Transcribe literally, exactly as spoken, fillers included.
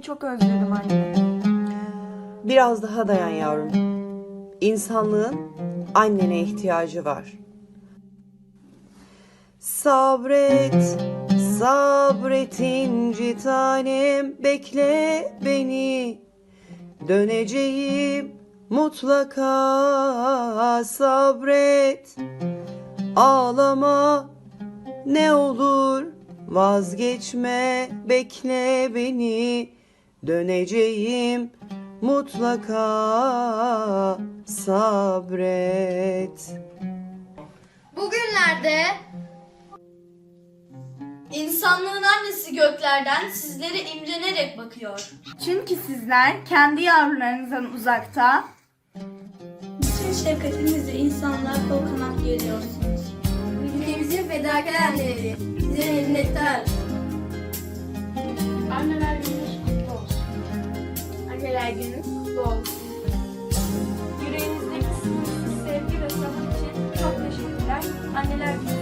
çok özledim anne. Biraz daha dayan yavrum. İnsanlığın annene ihtiyacı var. Sabret, sabret inci tanem, bekle beni. Döneceğim mutlaka, sabret. Ağlama ne olur, vazgeçme, bekle beni. Döneceğim mutlaka, sabret. Bugünlerde insanlığın annesi göklerden sizlere imrenerek bakıyor. Çünkü sizler kendi yavrularınızdan uzakta, Bütün şefkatinizle insanlığa kol kanat geriyorsunuz. Ülkemizin fedakar anneleri size minnettar. Anneler gününüz kutlu olsun. Anneler gününüz kutlu olsun. Yüreğinizdeki sınırsız sevgi ve sabır için çok teşekkürler. Anneler Günü